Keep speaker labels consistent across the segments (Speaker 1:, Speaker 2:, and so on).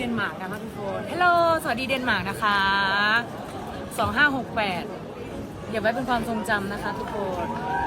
Speaker 1: นมาร์กนะคะทุกคนฮัลโหลสวัสดีเดนมาร์กนะคะ2568อย่าไว้เป็นความทรงจำนะคะทุกคน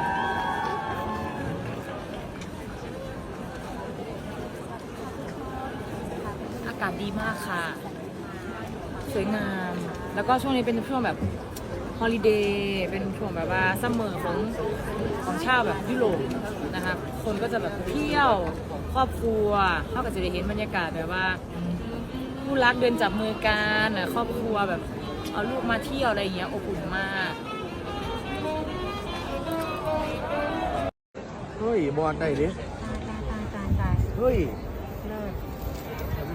Speaker 1: อากาศดีมากค่ะสวยงามแล้วก็ช่วงนี้เป็นช่วงแบบฮอลิเดย์เป็นช่วงแบบว่าซัมเมอร์ของชาวแบบยุโรปนะคะคนก็จะแบบเที่ยวครอบครัวเขาก็จะได้เห็นบรรยากาศแบบว่าคู่รักเดินจับมือกันครอบครัวแบบเอาลูกมาเที่ยวอะไรอย่างเงี้ยอบอุ่นมาก
Speaker 2: เฮ้ยบอลได้ดิ
Speaker 3: ตาย
Speaker 2: เฮ้ย
Speaker 3: เลิศ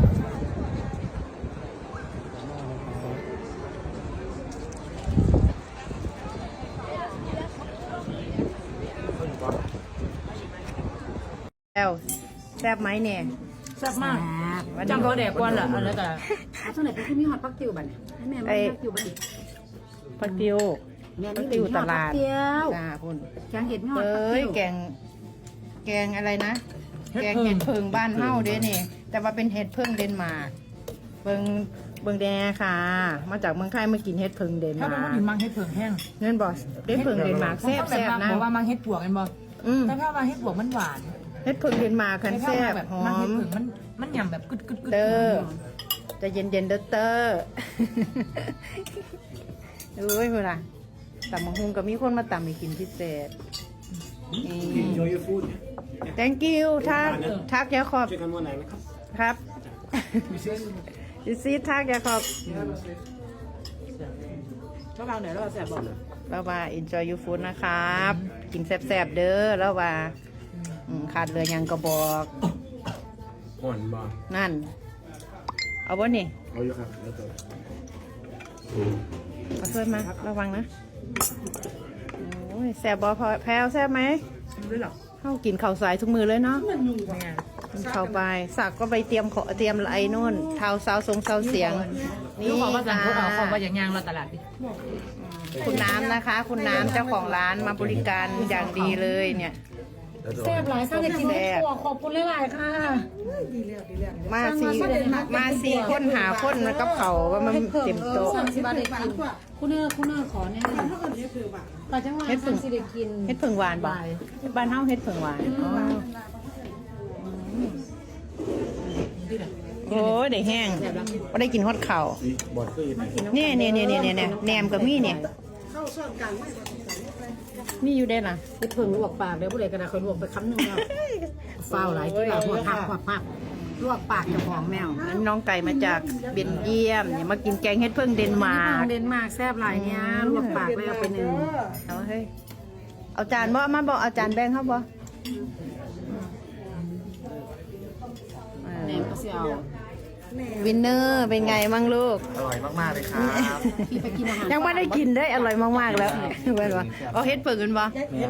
Speaker 3: แล้วแซ่บไหมเนี่ย
Speaker 1: แซ่บมาก
Speaker 3: วันนี้
Speaker 1: จำเขาแดกก้อนเหรออะไรแต่
Speaker 4: ช่วงไหนเป็นที่มีฮอตปักติวบัดเนี่ยให้แม่มาปักติวบัดดิ
Speaker 3: ผักติว
Speaker 4: แม่
Speaker 3: ผั
Speaker 4: นี่
Speaker 3: กติวตลาด
Speaker 4: ปักติว
Speaker 3: จ้าคุณ
Speaker 4: แกงเห็ดมีฮอต
Speaker 3: เอ้
Speaker 4: ปัก
Speaker 3: ย
Speaker 4: ติว
Speaker 3: แกงอะไรนะ แกงเห็ดเพิงบ้านเฮาเด้นี่ แต่ว่าเป็นเห็ดเพิงเดนมาร์กเบิงแดค่ะ มาจากเมืองไทยมากินเห็ดเพิงเดน
Speaker 1: ถ้า
Speaker 3: มา
Speaker 1: เป็น
Speaker 3: ร์
Speaker 1: คน
Speaker 3: ก
Speaker 1: ถึงมังเฮ็ดเผือกแห้ง
Speaker 3: เงินบอสเห็ดเพิงเดนมาร์กแซ่บ
Speaker 1: แซ่บ
Speaker 3: นะ
Speaker 1: บอกว่ามังเฮ็ดปวกกันบ่
Speaker 3: อืม
Speaker 1: แต่ถ้ามังเฮ็ดปวกมันหวาน
Speaker 3: เห็ดเพิงเดนมาร์กคันแซ่บ
Speaker 1: แบบ
Speaker 3: หอ
Speaker 1: มังเฮ็ด
Speaker 3: ม
Speaker 1: เผือกมันหยำแบบกึดกึดกึด
Speaker 3: เด้อจะเย็นเย็นๆเด้อเตอร์เอ้ยเวลาตำมังหุงก็มีคนมาตำให้กินพิเศษนี่
Speaker 2: enjoy your food
Speaker 3: thank you ทักยาขอบ
Speaker 2: เจอกันวันไหนนะครับ
Speaker 3: ครับ you see ทักยาขอบ
Speaker 1: ถ้าเราไหนเราแซ่บบอก
Speaker 3: แล้วว่า enjoy your food นะครับ กินแซ่บๆเด้อแล้วว่าขาดเหลือหยังก็บอก
Speaker 2: อ่อนบอล
Speaker 3: นั่น เอาบ่นี่
Speaker 2: เอาอยู่ครับแล้วตัว
Speaker 3: มาช่วยมาระวังนะโอ้ยแซ่บบ่พอแพลวแซ่บไหม
Speaker 1: ด้วยหรอ
Speaker 3: เข้ากินข้าวสายทุกมือเลยเนาะ
Speaker 1: มันยุ่งกว่า
Speaker 3: กินข้าวไปสักก็ไปเตรียมไอ้นู่นเท้าซาวทรงซาวเสียง
Speaker 1: นี่ขอว่าสั่งพวกเอาขอว่าอย่างยางเราตลาดดิ
Speaker 3: คุณน้ำนะคะ คุณน้ำเจ้าของร้านมาบริการอย่างดีเลยเนี่ย
Speaker 1: แซ่บหลายค่ะจะกินเฮ็ดปวกขอบคุณหลายๆค่ะ
Speaker 3: มาสี่คนหาคนมันกับเขาว่ามันเต็มโต๊ะ
Speaker 4: 30 บาทได้กินคุณเนอร์ขอแน่แต่จังหวะสิได้กิน
Speaker 3: เฮ็ดเพิ่งหวานบ่บ้านเฮาเฮ็ดเพิ่งหวานโอ้ยได้แห้งบ่ได้กินฮอดข้าว
Speaker 2: บอลคือ
Speaker 3: เนี่ยแหนมก็มีเนี่ยมีอยู่ได้ล่ะ
Speaker 4: เฮ็ดเพิ่งลวกปากเดี๋ยวผู้ใดก็ได้ค่อยลวกไปคำนึงแล้วฟ้าวหลายที่ว่าหัวหักลวกปากเจ้าของแมว
Speaker 3: น้องไก่มาจากเบลเยียมเนี่ยมากินแกงเฮ็ดเพิ่งเดนมาร์ก
Speaker 4: เดนมาร์กแซ่บหลายเนี้ยลวกปากแล้วไปหนึ่ง
Speaker 3: เอาเฮ้ยเอาจานบ่มาบอกเอาจานแบ่งเขาบ่
Speaker 4: แหนมก็สิเอา
Speaker 3: วินเนอร์เป็นไงมั่งลูก
Speaker 2: อร่อยมากๆเลยครับ
Speaker 4: พี่ไปกินอาหาร
Speaker 3: ยังไม่ได้กินได้อร่อยมากๆแล้วเว้นวะเอาเฮ็ดเปิ่งกันบ่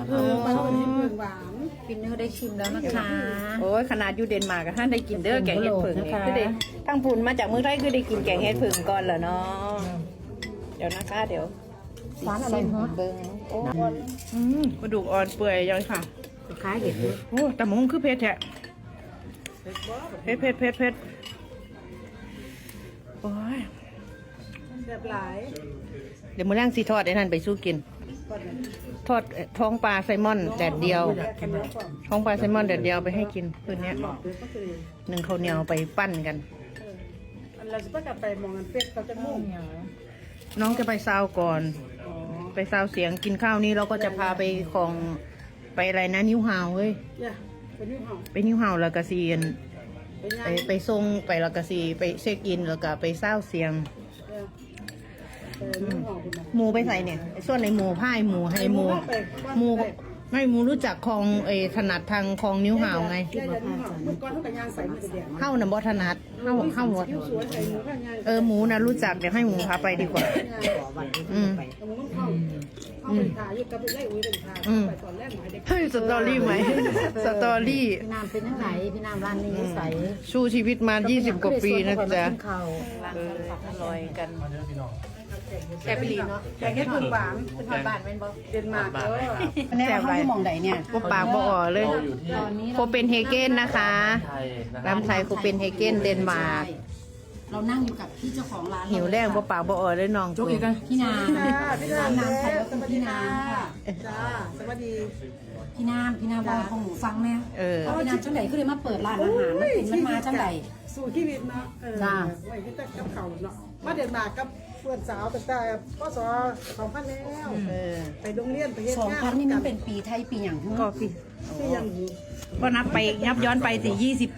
Speaker 4: ฟินเนอร์ได้ชิมแล้วนะคะ
Speaker 3: โอ้ยขนาดอยู่เดนมาร์กท่านได้กินเด้อแกงเฮ็ดเปิ่งนี่คือได้ทั้งปุ่นมาจากเมืองไทยคือได้กินแกงเฮ็ดเปิ่งก่อนเหรอเนาะเดี๋ยวนะคะเดี๋ยว
Speaker 4: ร้านอะไรฮะ
Speaker 3: เบิ่งโอ้กระดูกอ่อนเปื่อยยังค่ะ
Speaker 4: คล้ายเห็ดเลย
Speaker 3: โอ้แต่หมงคือเผ็ดแท้เผ็ดโอ้ย
Speaker 4: แบบหลาย
Speaker 3: เดี๋ยวมื้อแรงสิทอดไอ้นั่นไปสู้กิน ทอดท้องปลาไซลมอนแดดเดียว ท้องปลาไซลมอนแดดเดียวไปให้กินคืนนี้หนึ่งข้าวเหนียวไปปั้นกัน
Speaker 4: เราจะต้องกลับไปมองกันเป็ดเขาจะมุ่ง
Speaker 3: น้องจะไปซาวก่อน ไปซาวเสียงกินข้าวนี้เราก็จะพาไปของไปอะไรนะนิ้วหาวเฮ้ย
Speaker 4: เนี่ยเป็นนี่หอม
Speaker 3: ไปนิ้วหาวแล้วก็ซีน
Speaker 4: เป็นไง
Speaker 3: ไปส่งไปแล้วก็ซีไปเช็คอินแล้วก็ไปซาวเสียง
Speaker 4: เป็นนี่หอมคุณนะ
Speaker 3: หมูไปใส่เนี่ยไอ้ส่วนในหมูผ้ายหมูให้หมูหมูไม่หมูรู้จักคลองถนัดทางคลองนิ้วหาวไง
Speaker 4: ได้ยันนี่หอมเมื่อก่อนเขาแต่ยางใส่มันจะแดง
Speaker 3: เข้าน่ะบ่ถนัดเข้าหมด
Speaker 4: สวนใส่หมูข้างยาง
Speaker 3: หมูนะรู้จักเดี๋ยวให้หมูพาไปดีกว่า อืม
Speaker 4: แต่หมูมันเข้าไปถ่ายอยู่กับไล่อุ้ยเป็นถ่ายไปตอนแรกหมายเด็ก
Speaker 3: เฮ้ยสตอรี่ไหมสตอรี่
Speaker 4: พี่น้ำเป็นยังไงพี่น้ำร้านนี้ใส่
Speaker 3: สู้ชีวิตมา 20 กว่าปีนะจ๊ะ
Speaker 4: ข้าว
Speaker 3: อร่อยกัน
Speaker 4: แกไปลีเนาะแกงเห็ดเผือกหวานเป็นหวานบานเป็นบ่เดนมาร์กแน่เขาอยู่มองใดเนี่ย
Speaker 3: บ่ปากบ่อ่อเลยโคเปนเฮเกนนะคะร้านไทยโคเปนเฮเกนเดนมาร์ก
Speaker 4: เรานั่งอยู่กับพี่เจ้าของร้าน
Speaker 3: หิวแรงบ่ปากบ่อ่อยเลยน้อง
Speaker 1: โจ๊กอีกกัน
Speaker 4: พี่นาม
Speaker 5: พี่
Speaker 4: ร้าน
Speaker 5: น้ำ
Speaker 4: น้ำไทยก็
Speaker 5: ส
Speaker 4: คือ
Speaker 5: วัสดี
Speaker 4: พี่
Speaker 5: ค่ะ
Speaker 4: น้ำค่ะ
Speaker 5: จ้าสวัสดี
Speaker 4: พี่น้ำบอกของหนูฟังแม่
Speaker 3: เออ
Speaker 4: พี่น้ำจังไหนก็เลยมาเปิดร้านอาหารมันมาจังไหน
Speaker 5: สู่ชีวิตเนาะไว้ที่จะกับเขาเนาะมาเดินมากับเพื่อนสาวตั้งแต่พศ2000แล้ว
Speaker 3: เออ
Speaker 5: ไปโรงเรียนไปเฮ็ดงาน
Speaker 4: 2,000นี่มันเป็นปีไทยปีอย่างทั้ง
Speaker 3: ก็พี่
Speaker 5: ที่ยัง
Speaker 3: ก็นับไปนับย้อนไปสิ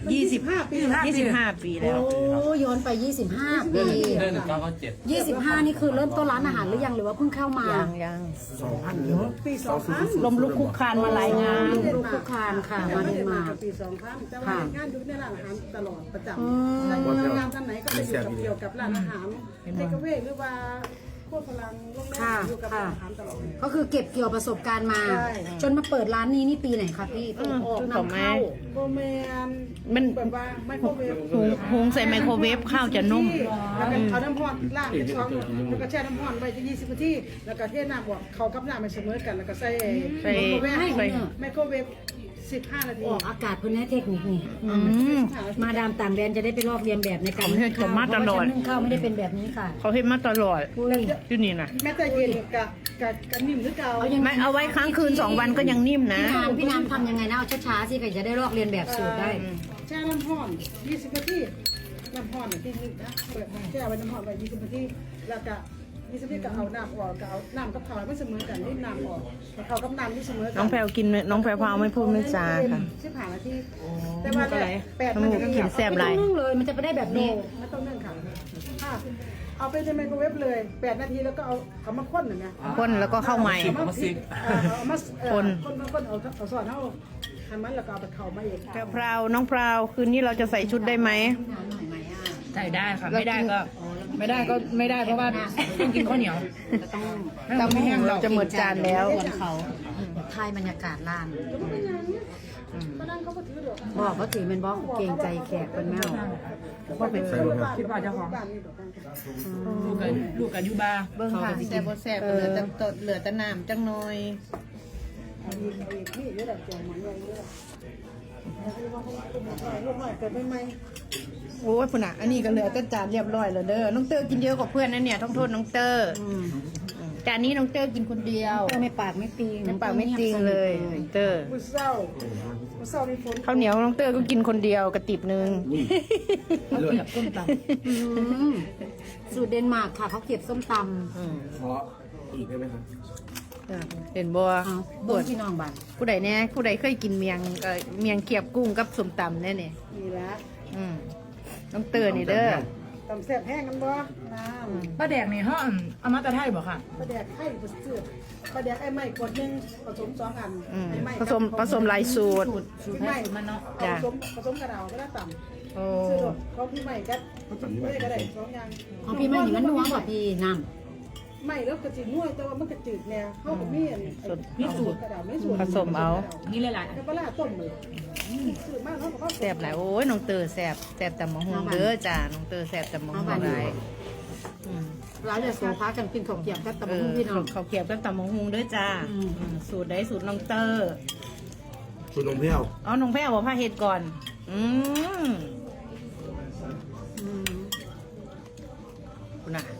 Speaker 3: 25 ปีแล้ว
Speaker 4: โอ้ย้อนไป25 ปี
Speaker 2: เดือน1997
Speaker 4: 25 นี่คือเริ่มต้นร้านอาหารหรือยังหรือว่าเพิ่งเข้ามา
Speaker 3: ยัง
Speaker 2: 2,000เนาะ
Speaker 5: ปี2000
Speaker 3: ลมลุกคุกคานมาหลายงาน
Speaker 4: ลูกคุกคานค่ะมาเดนมาร์ก
Speaker 5: ปี2000แต่ว่าเฮ็ดงานอยู่ในร้านอาหารตลอดประจำแต่งานท่านไหนก็จะอยู่กับเกี่ยวกับร้านอาหารเทคเวหรือว่าพวกพลังโรงแรมอยู่กับร้านอาหารตลอด
Speaker 4: ก็คือเก็บเกี่ยวประสบการณ์มา
Speaker 5: ใช่
Speaker 4: จนมาเปิดร้านนี้นี่ปีไหนคะพี่ออกนำเข้า
Speaker 5: โบแมน
Speaker 3: มัน
Speaker 5: แบบว่าไมโครเวฟ
Speaker 3: หุงใส่ไมโครเวฟข้าวจะนุ่ม
Speaker 5: แล้วก็เอาน้ำร้อนล้างเป็นช้อนแล้วก็แช่น้ำร้อนไว้จะ20 นาทีแล้วก็เทน้ำบวกเขากับน้ำไปเสมอกันแล้วก็ใส่
Speaker 3: ใส่
Speaker 5: ไมโครเวฟ
Speaker 3: ใส่
Speaker 5: ไมโครเวฟ15 นาที
Speaker 4: ออกอากาศเพื่อนให้เทคนิคนี่มาดามต่างแดนจะได้ไปลอกเรียนแบบในการ
Speaker 3: ผมเห็นผมมาตลอด
Speaker 4: เพระว่ฉันนึ่งข้าวไม่ได้เป็นแบบนี้ค่ะ
Speaker 3: เขาเฮ็ดมาตลอด
Speaker 4: อุ้ย
Speaker 3: ที่นี่นะ
Speaker 5: แม้แต่เย็นกับนิ่มหรือเก่า
Speaker 3: ไม่เอาไว้ค้างคืน2 วันก็ยังนิ่มนะ
Speaker 4: พี่น้ำทำยังไงนะเอาช้าๆสิก็จะได้ลอกเรียนแบบสูตรได้
Speaker 5: แช่น้ำร้อน20 นาทีน้ำร้อนที่นึงนะเปิดแช่ไว้น้ำร้อนไว้20 นาทีแล้วก็20 นาทีก็เอาน้ำออกก็เอาน้ำกับข้าวไม่เสมอกันนี่น้ำออกเขากับน้ำที่เสมอกัน
Speaker 3: น้องแพรวกินน้องแพรวพราวไม่พูดไม่จาค่ะ
Speaker 5: 15 นาทีแต่ว่า8
Speaker 3: น้ำมูกกินแซ่บหลาย
Speaker 4: นึ่งเลยมันจะไปได้แบบ
Speaker 5: โน
Speaker 4: นี้
Speaker 5: ไม่ต้องนึ่งค่ะเอาไปในไมโครเวฟเลย8 นาทีแล้วก็เอามาข้นหน่อยนะ
Speaker 3: คนแล้วก็เข้าใหม่
Speaker 5: เอามาซิกเอามา
Speaker 3: คน
Speaker 5: คนเอาซอสเอาทำมันแล้วก็เอาไปเข้ามาเอง
Speaker 3: แพรวพราวน้องพราวคืนนี้เราจะใส่ชุดได้ไหม
Speaker 1: ใส่ได้ค่ะ ไม่ได้ก็ไม่ได้เพราะว่าต้องกินข้าวเหนียว
Speaker 3: ตำแห้งเราจะหมดจานแล้ว
Speaker 4: ส่วนเขาทายบรรยากาศร้าน
Speaker 5: ก็นั่งเขาก็ถือดอก
Speaker 4: บอกเขาถือเป็นบอกเกรงใจแขกเป็นแมว
Speaker 1: คิดว่าเจ้าของ
Speaker 5: บ้านนี่ดอก
Speaker 1: ลูกกับยูบา
Speaker 3: เบิ่งค่ะแซ่บบ่แซ่บเหลือแต่ตดเหลือแต่น้ำจังหน่อย
Speaker 5: นี่เยอะแบบแจงมันเยอะเยอะลูกหน่อยเกิดใหม่
Speaker 3: โอ้ยพุ่นน่ะอันนี้ก็เหลือแต่จานเรียบร้อยแล้วเด้อน้องเตอร์กินเยอะกว่าเพื่อนนะเนี่ยต้องโทษน้องเตอร์จานนี้น้องเตอร์กินคนเดียว
Speaker 4: ไม่ปากไม่ตี
Speaker 3: น้ำปากไม่จริงเลยน้องเตอร์
Speaker 5: มือเศร้ามีฝน
Speaker 3: ข้าวเหนียวน้องเตอร์ก็กินคนเดียวกระติบนึง
Speaker 2: เลิศ
Speaker 1: ต้มต
Speaker 4: สูตรเดนมาร์กค่ะเขาเก็บส้มต
Speaker 2: ขออีกได้ไหมครับ
Speaker 3: เห็นบัว
Speaker 4: ำเอาเบิ้งพี่น้องบ้าน
Speaker 3: ผู้ใดเนี่ยผู้ใดเคยกินเมียงเขียบกุ้งกับส้มตำแน่เนี่ย
Speaker 5: นี่ละ
Speaker 3: น้องเตอร์นี่เด้อ
Speaker 5: ตำแซ่บแห้งกันบ่น้
Speaker 1: ำป้าแดกนี่เขาเอามาแต่ไทยบ่ค่ะ
Speaker 5: ำปลาแดกไข่ปลาเสือปลาแดกไอ้ไม้ขวดนึงผสม2 อันไอ้ไม้
Speaker 3: ผสมหลายสูตร
Speaker 5: พี่ไม้มันเนาะผสมกระดาวก็ได้ต่ำ
Speaker 3: โอ้
Speaker 5: ซื้อดอกเขาพี่ใหม่ก็ไม่ก็ได้2 อย่าง
Speaker 4: ของพี่ไม่หนีมันนัวกว่าพี่น้
Speaker 5: ไม่แล้วก็จืดนุ่ยแต่ว่ามันก็จืดแนวเข้ากับมีมีสูตรกระดาษไม่สูตร
Speaker 3: ผสมเอา
Speaker 1: นี่หลาย
Speaker 5: แล้วปลาต้มเลยซื้อมากเขาบอกว่า
Speaker 3: แซ่บหลายโอ้ยน้องเตอร์แซ่บแต่หมะฮงเด้อจ้าน้องเตอร์แซ่บแต่หมะฮงหลาย
Speaker 4: ำร้านจะโซฟากันกินข้าวเกรี๊ยวกับตะบุ้งพี่น้อง
Speaker 3: เขาวเกรียบกับตำมะฮงเด้อจ้าสูตรใดสูตรน้องเตอร์
Speaker 2: ชุดนมเปรี้ยว
Speaker 3: เอาน้องแพ้บอกผ้าเห็ดก่อนคุณน่ะ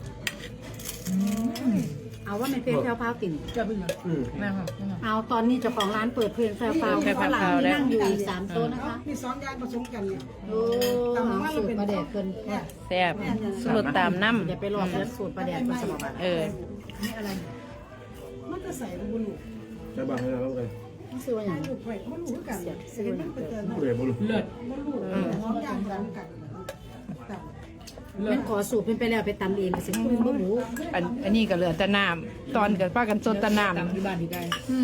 Speaker 4: เอาว่ามันเป็นแพรวพราวติ่น
Speaker 1: ๆจะเป็นยังแม่ค่ะ
Speaker 4: เอาตอนนี้เจ้าของร้านเปิดเพลงแพรวพราวข้างหลังมีนั่งอยู่อีก3โต๊ะนะคะ
Speaker 5: มี2 อย่างผสมกันเนี่ย
Speaker 4: โอ้สูตรประเดกเกิน
Speaker 3: แซ่บสูตรตามน้
Speaker 4: อย่าไปลองเลือสูตรประเดกมาสมัคร
Speaker 3: ำเออ
Speaker 5: นี่อะไรมันจะใส่บุญ
Speaker 2: ใช่ป่ะให้เราแล้วกัน
Speaker 4: นี่ซื้อว่าอย่าง
Speaker 5: ลูกไข่มันรู้กันเห็นมันเป็นเตือน
Speaker 2: ผู้ใดบ่รู้
Speaker 1: เลิศ
Speaker 5: มันรู้2 อย่างกันกัน
Speaker 4: มันขอสูตรเป็นไปแล้วไปตำเองกับสิคุณบ่หมู
Speaker 3: อันนี้ก็เหลือแต่น้ำตอนกับป้ากันสดแต่น้
Speaker 1: ตำอยู่บ้านพี่ไก่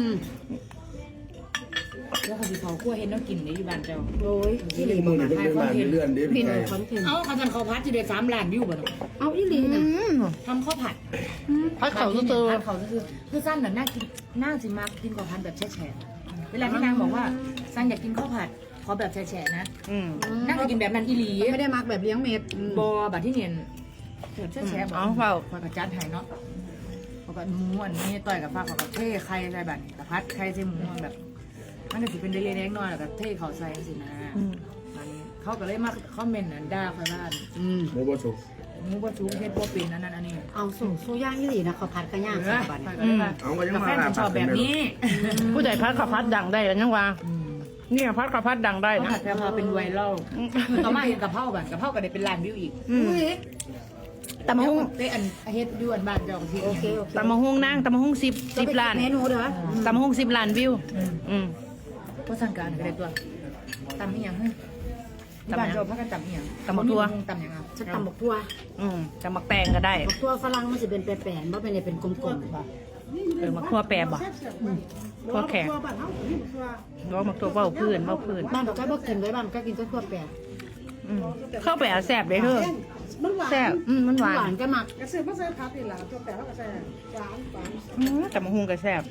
Speaker 1: แล้วเขาสิเขาคั่วเห็นแล้วกินในอยู่บ้านเจ้า
Speaker 4: โอ้ยอีหลี
Speaker 2: มือนี่เป็นมาเลื่อนดิพี่ไก่
Speaker 4: คอนเทนต์
Speaker 1: เอ้าเขาทำข้าวผัดจะได้3 ล้านวิวบ่เนาะ
Speaker 4: เอาอีหลีนะ
Speaker 1: ทำข้าวผัด
Speaker 3: ำพัดเขาตัว
Speaker 1: ผัดเขาคือสั้นน่ะน่ากินน่าสิมากกินข้าวผัดแบบแฉะๆเวลาที่นางบอกว่าสั้นอยากกินข้าวผัดขอแบบแฉะๆนะนั่งจะกินแบบนั้นอีหลี
Speaker 4: ไม่ได้มักแบบเลี้ยงเม็ด
Speaker 1: บอแบบที่เนียนแบบแฉะๆบอก
Speaker 3: เอาเปล่า
Speaker 1: พอกระจัดหายเนาะพอกับหมูอันนี้ต่อยกับฟ้าพอกับเท่ไข่ใส่แบบกระพัดไข่ใส่หมูแบบมันก็สิเป็นเล็กๆน้อยๆแล้วก็เท่เขาใส่สินะอันนี้เขาก็เลยมาคอมเมนต์ด่าคอยว่า
Speaker 2: หมูบดสุก
Speaker 1: หมูบ่สูงเฮ็ดบ่เป็นอันนั้นอันนี้
Speaker 4: เอาสู้ย่างยี่หลีนะเขาผัดกระย่าง
Speaker 1: เอ
Speaker 4: ใส่
Speaker 1: อ
Speaker 4: บัตร
Speaker 2: เอาก็ยัง
Speaker 1: กา
Speaker 2: มา
Speaker 1: แฟนชอบแบบนี้
Speaker 3: ผู้ใดพัดข้าวพัดดังได้แล้วยังว่าเนี่ยพัดข้าวพัดดังได้
Speaker 1: ต้อง
Speaker 3: นะ
Speaker 1: หัดแพรพาเป็นไวรัลต่อมาเห็นกะเพราแบบกะเพราก็ได้เป็นล้านวิวอีก
Speaker 3: ตำมะฮุ่ง
Speaker 1: ได้อันเฮ็ดอยู่อันบ้านเจ้าของที่
Speaker 4: โอเค
Speaker 3: ตำมะฮุ่งนั่งตำมะฮุ่ง10 ล้าน
Speaker 4: เมนูเด้อ
Speaker 3: ตำมะฮุ่ง10 ล้านวิว
Speaker 1: ก็สั่งการก็ได้ตัวตำอีหยังเฮ้ยที่บ้านเจ้าพักกันตำอีหยังตำหยังอ่ะ
Speaker 4: ฉันตำบักทั่ว
Speaker 3: จะมักแตงก็ได้
Speaker 4: บักทั่วฝรั่งมันจะเป็นแปลนๆว่าเป็นกลมๆป่ะ
Speaker 3: มักทั่วแปรบ่
Speaker 5: พอแขกบ้านเฮานี่ตัว
Speaker 3: ว่ามักทั่วเบ้าพื้น
Speaker 4: บ้านเราก็บ่กินไว้บ้านก็กินแต่ทั่วแปลน
Speaker 3: เข้าไปเอาแซ่บเลยเถอะ
Speaker 5: มันหวาน
Speaker 3: แซ่บมันหวา
Speaker 4: หวาน นก็มัก
Speaker 5: กระสือมาใส่ผักนี่ล่ะตัวแปะแล้วก็ใส่หวาน
Speaker 3: ตำมะฮุ่งก็แซ่บ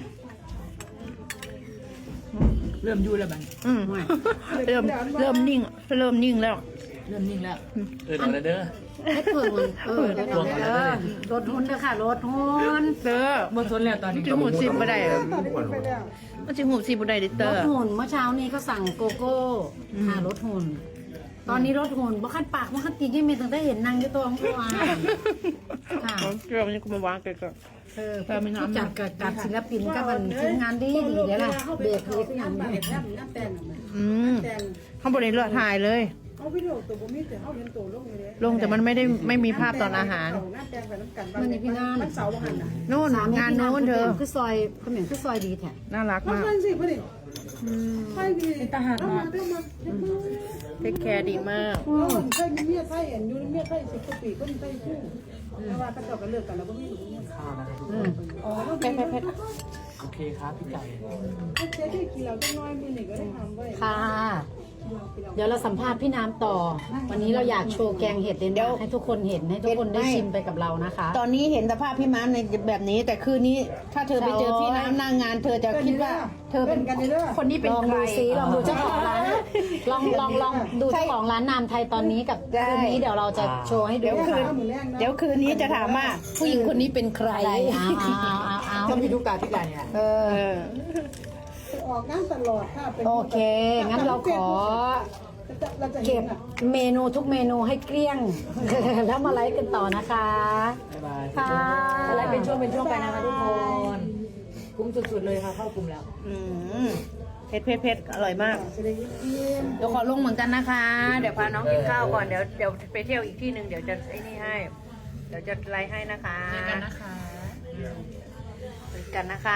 Speaker 1: เริ่มอยู่แล้วบัด
Speaker 3: เริ่มนิ่งแล้ว
Speaker 1: เริ่มนิ่งแล้ว
Speaker 4: ให้เพิ่มรถหุ้นเด้อค่ะรถหุ้น
Speaker 3: เตอร์
Speaker 1: บ่ทนแล้วตอนนี้
Speaker 3: จิหูสิบบ่ได้
Speaker 5: ตอนนี้ไปแล้ว
Speaker 3: มันจิหูสิบบ่ได้ดิเต
Speaker 4: ร
Speaker 3: อ
Speaker 4: ถ
Speaker 3: ร์
Speaker 4: หุ่นเมื่อเช้านี้ก็สั่งโกโก้ค่ะรถหุ่น ตอนนี้รถหุ่นบ่คันปากบ่คันตีนยังมีตั้งแต่เห็นนางอยู่ตัวของตัวค่ะ
Speaker 3: เกี่ยวมันก็มาวางเกะ
Speaker 4: ผู้จัดกับศิลปินกับมันทีมงานดีเด้อล่ะเบรกเลยคืออย่างนี้
Speaker 5: น้ำแต่ง แต่ง
Speaker 3: เขาบ่ได้เลือกถ่ายเลย
Speaker 5: เอาวิดีโอตัวบ่มีแต่เฮาเห็นตัวลงเลย
Speaker 3: ลงแต่มันไม่มีภาพตอนอาหาร
Speaker 5: น้ำแต่งไปน้ำกันมันเสาร์บ่หันน่ะ
Speaker 3: นู่นงานนู้นเธอ
Speaker 4: คือซอยเขมิ้นคือซอยดีแท้
Speaker 3: น่ารัก
Speaker 5: มัน
Speaker 3: มาก
Speaker 5: เพิ่นสิเพิ่นนี่ไปดีทหารมา
Speaker 3: เทคแคร์ดีมาก
Speaker 5: เคยมีเมียไทยเห็นอยู่เมียไทย10กว่าปีคนไทยคู่แต่ว่าเขาเจ้าก็เลิกกันแล้วบ่มีลูกมีอ๋อเผ็ดโอเคครับพี่ไก่เจ๊ที่กินแล้วจังน้อยมื้อนี้ก็ได้ทำไว้
Speaker 4: ค่ะ เดี๋ยวเราสัมภาษณ์พี่น้ำต่อ วันนี้เราอยากโชว์แกงเห็ดเด่นๆให้ทุกคนเห็นให้ทุกคนได้ชิมไปกับเรานะคะ
Speaker 3: ตอนนี้เห็นสภาพพี่ม้าในแบบนี้ แต่คืนนี้ถ้าเธอไปเจอพี่น้ำหน้างาน เธอจะคิดว่า เธอเป็นคนนี้เป็น
Speaker 4: ลอง
Speaker 3: ใคร
Speaker 4: ดูซิลองดูเจ้าของร้านลองดูเจ้าของร้านนามไทยตอนนี้กับคืนนี้เดี๋ยวเราจะโชว์ให้ดู
Speaker 3: เดี๋ยวคืนนี้จะถามว่าผู้หญิงคนนี้เป็นใคร
Speaker 4: เอา
Speaker 1: ต้องมีทุกการที่การเนี่ย
Speaker 5: ออกงานตลอดค่ะ
Speaker 4: โอเค งั้นเราขอเก็บเมนูทุกเมนูให้เกลี้ยง แล้วมาไลฟ์กันต่อนะคะค่ะ
Speaker 1: อะไรเป็นช่วงไปนะคะทุกคนคุ้มสุดๆเลยค่ะเข้ากลุ่มแล้ว
Speaker 3: เผ็ดอร่อยมาก เดี๋ยวขอลงเหมือนกันนะคะ เดี๋ยวพาน้องกินข้าวก่อน เดี๋ยวไปเที่ยวอีกที่หนึ่งเดี๋ยวจะไอ้นี่ให้ เดี๋ยวจะไลฟ์ให้นะคะ
Speaker 1: เจอกันนะคะ
Speaker 3: เจอกันนะคะ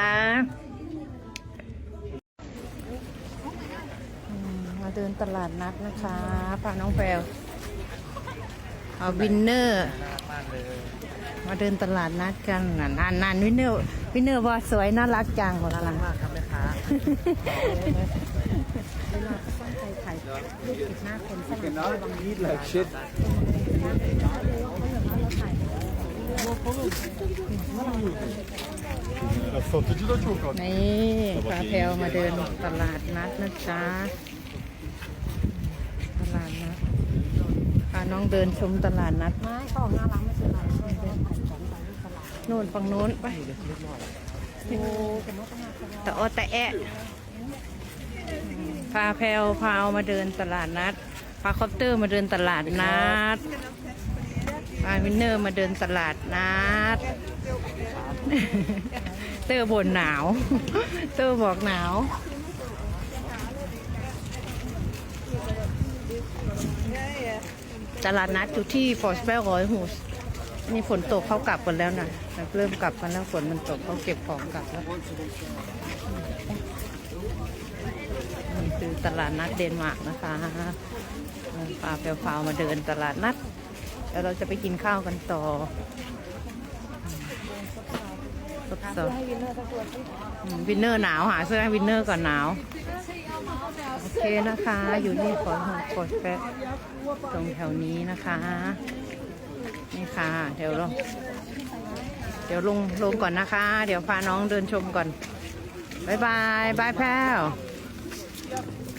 Speaker 3: มาเดินตลาดนัดนะคะพาน้องแพรวเอาวินเนอร์ มาเดินตลาดนัดกันนานวินเนอร์ว่าสวยน่ารักจังน่ารักมากครับแม่ค้านี่พาแพลวมาเดินตลาดนัดนะจ๊ะตลาดนัดพาน้องเดินชมตลาดนัด
Speaker 4: ไม่ของน่ารักไม่ใช่ไร
Speaker 3: นู่นฝั่งนู้นไปแต่อแต่แอะพาแพลวพาเอามาเดินตลาดนัดพาคอปเตอร์มาเดินตลาดนัดพาวินเนอร์มาเดินตลาดนัดเตอร์บ่นหนาวเตอร์บอกหนาวตลาดนัดอยู่ที่ฟอร์สเปล100 ฮูสนี่ฝนตกเขากลับกันแล้วนะเริ่มกลับกันแล้วฝนมันตกเขาเก็บของกลับแล้วนี่คือตลาดนัดเดนมาร์กนะคะพาแพรวมาเดินตลาดนัดแล้วเราจะไปกินข้าวกันต่อวินเนอร์หนาวหาเสื้อให้วินเนอร์ก่อนหนาวโอเคนะคะ อยู่ที่ฟอร์สเปลตรงแถวนี้นะคะนี่ค่ะเดี๋ยวลงก่อนนะคะ เดี๋ยวพาน้องเดินชมก่อนบายบายแพรว